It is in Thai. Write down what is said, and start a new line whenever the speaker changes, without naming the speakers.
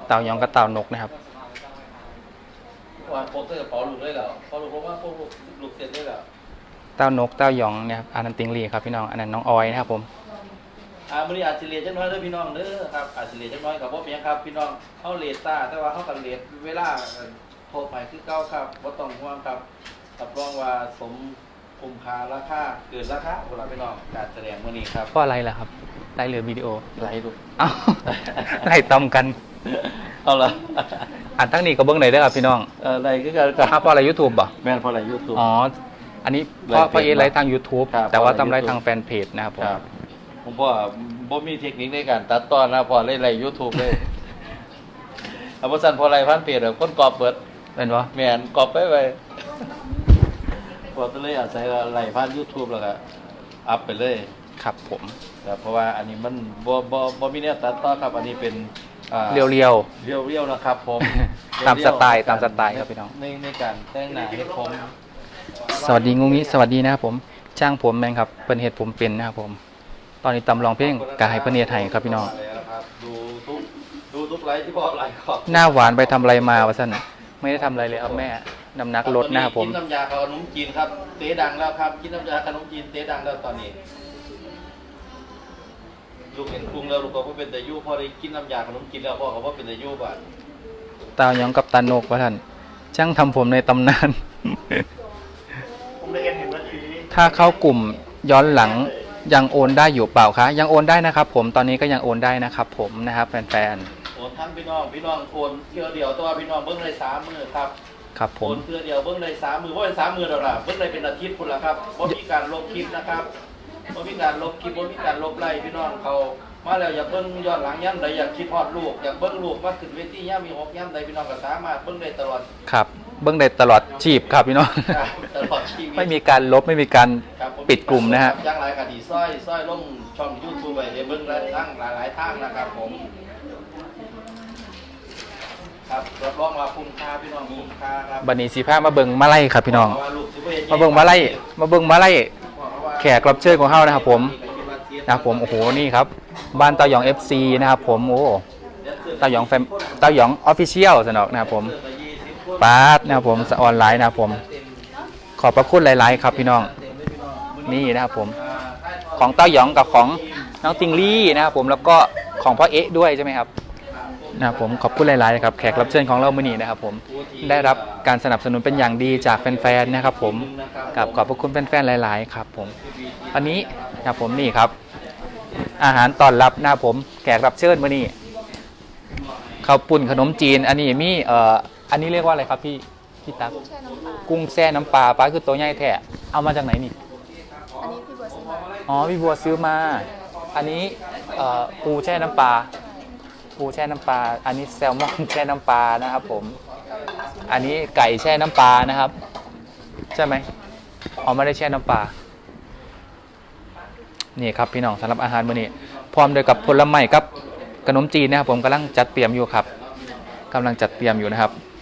เต่ายองกับเต่านกนะครับ
ว่าโปสเตอร์เป๋าลูกได้แล้วพอลูกเพราะว่าพวกลูกเสร็จได้แล้ว
เต่านกเต่ายองเนี่ยครับอันนั้นติงลี่ครับพี่น้องอันนั้นน้องออยนะครับผม
มื้อนี้อาจสิเรียนจังน้อยเด้อพี่น้องเด้อครับอาจสิเรียนจังน้อยกับบ่เมียครับพี่น้องเฮาเรียนซ่าแต่ว่าเฮาก็เรียนเวลาโทรไปคือเก่าครับบ่ต้องห่วงครับรับรองว่าสมคุ้มค่าราคาเกินราคาพวกเราพี่น้องการแสดงมื้อนี้ครับ
เพราะอะไรล่ะครับไล่เหลือวิดีโอ
ไลฟ์ดู
เอ้าไล่ต้อมกัน
เอาล่ะ
อันทั้งนี้ก็เบิ่งได้เด้อครับพี่น้อง
ไลฟ์คือกันครับ
เพราะอะไร YouTube บ่
แม่นเพราะอะไร YouTube
อ๋ออันนี้เพราะเอไลฟ์ทาง YouTube แต่ว่าทำไลฟ์ทางแฟนเพจนะครับ
ผมบ่มีเทคนิคในการตัดต่อนะพอเล่นไลฟ์ YouTube เลยเอาบ่ซั่นพอไลฟ์พันเพจคนกอบเบิด
เป็นบ่
แม่นกอบไปพอตัวเลยอาศัยไลฟ์ผ่าน YouTube แล้วก็อัพไปเลย
ครับผม
เพราะว่าอันนี้มันบ่มีแนวตัดต่อครับอันนี้เป็น
เรียว
ๆนะครับผม
ตามสไตล์ครับพี่น้อง
ในการแต่งหน้าเฮ็ดผม
สวัสดีงุ้งงี้สวัสดีนะครับผมช่างผมแมงครับเปิ้นเฮ็ดผมเป็นนะครับผมตอนนี้ตำลองเพลงกะให้เปิ้นเฮ็ดให้ครับพี่น้อง
ดูทุกไลฟ์ที่บอกไลฟ์ขอบ
หน้าหวานไปทำอะไรมาวะซั่นไม่ได้ทำอะไรเลยครับแม่น้ำหนักลดนะครับผม
กินน้ำยาขนมจีนครับเตะดังแล้วครับกินน้ำยาขนมจีนเตะดังแล้วตอนนี้ลูกเห็นปรุงแล้วลูกก็ว่าเป็นแต่ยู่พอได้กินน้ำยาขนมจีนแล้วพ่อเขาว่าเป็นแต่ยู่บ้าน
ตาหยองกับตานกวะท่านช่างทำผมในตำนานถ้าเข้ากลุ่มย้อนหลังยังโอนได้อยู่เปล่าคะยังโอนได้นะครับผมตอนนี้ก็ยังโอนได้นะครับผมนะครับแฟน
ๆโอนทั้งพี่น้องโอนเที่ยวเดียวตัวพี่น้องเบิ้งเลย3 มื้อครับ
ครับผม
โอนเที่ยวเดียวเบิ้งเลย3 มื้อว่าเป็น3 มื้อแล้วล่ะเบิ้งเลยเป็นอาทิตย์พุ่นละครับบ่มีการลบคลิปนะครับบ่มีการลบคลิปบ่มีการลบไล่พี่น้องเขามาแล้วอยากเบิ้งย้อนหลังย่ำใดอยากคิดฮอดลูกอยากเบิ้งลูกมาขึ้นเวทีย่ำมี6ย่ำใดพี่น้องก็สามารถเบิ้งได้ตลอด
ครับเบิ้งได้ตลอดชีพครับพี่น้อง
ตลอดชีวิต
ไม่มีการลบไม่มีการปิดกลุ่มนะฮะ
ย่างหลายคดีซ้อยลงช่อง YouTube ไปเบิ้งทั้งหลายทางนะครับผมครับรับรองว่าคุ้มค่าพี่น้องคุ้มค่าครับ
บัดนี้สิพามาเบิ่งมาไล่ครับพี่น้องมาเบิ่งมาไล่แขกรับเชิญของเฮานะครับผมโอ้โหนี่ครับบ้านเต้าหยอง FC นะครับผมโอ้เต้าหยองออฟฟิเชียลสนอกนะครับผมปาร์ตนะครับผมออนไลน์นะครับผมขอบพระคุณหลายๆครับพี่น้องนี่นะครับผมของเต้าหยองกับของน้องติงลี่นะครับผมแล้วก็ของพ่อเอ๊ะด้วยใช่ไหมครับนะครับผมขอบคุณหลายๆครับแขกรับเชิญของเราเมื่อนี้นะครับผมได้รับการสนับสนุนเป็นอย่างดีจากแฟนๆนะครับผมกับขอบพระคุณแฟนๆหลายๆครับผมอันนี้นะครับผมนี่ครับอาหารต้อนรับนะครับผมแขกรับเชิญเมื่อนี้ข้าวปุ้นขนมจีนอันนี้มีอันนี้เรียกว่าอะไรครับพี่ตั๊กกุ้งแช่น้ำปลาปลาคือตัวใหญ่แท้เอามาจากไหนนี่
อันนี้พี่บัวซื้อมา
อ๋อพี่บัวซื้อมาอันนี้ปูแช่น้ำปลาอันนี้แซลมอนแช่น้ำปลานะครับผมอันนี้ไก่แช่น้ำปลานะครับใช่ไหมอ๋อไม่ได้แช่น้ำปลานี่ครับพี่น้องสำหรับอาหารมื้อนี้พร้อมด้วยกับผลไม้กับขนมจีนนะครับผมกำลังจัดเตรียมอยู่ครับนะครับ